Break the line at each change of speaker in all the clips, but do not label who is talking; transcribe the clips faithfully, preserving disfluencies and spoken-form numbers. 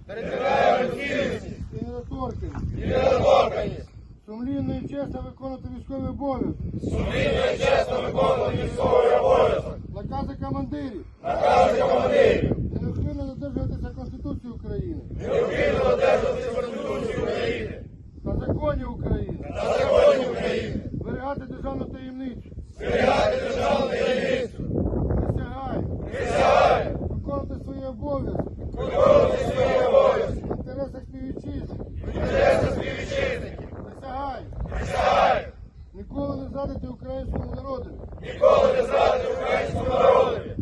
територіальну цілісність
і недоторканність,
і недоторканність,
сумлінно і чесно виконувати військовий обов'язок,
сумлінно і чесно виконувати військовий обов'язок,
накази командирів,
накази командирів,
неухильно додержуватися Конституції України
необхідно додержуватися Конституції України
та законів України,
та законів України,
зберігати державну таємницю,
зберігати державну таємницю,
присягаю
присягаю
виконувати свої обов'язки
виконувати свої обов'язки
в інтересах співвітчизників,
в інтересах співвітчизників,
присягаю
присягаю
ніколи не зрадити українському народу,
ніколи не зрадити українському народові.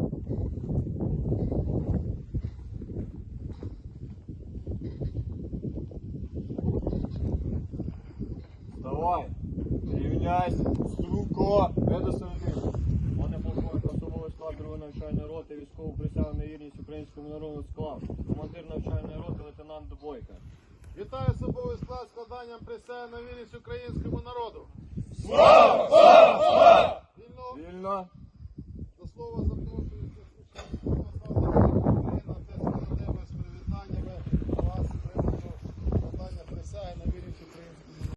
Давай, рівняйся, струнко, не до середини. Мене полковник особовий склад другої навчальної роти, військову присягу на вірність українському народу склав. Командир навчальної роти лейтенант Дубойка.
Вітаю особовий склад складанням присяги на вірність українському народу.
Слава! Слава! Слава!
Вільно
Вільно.
до слова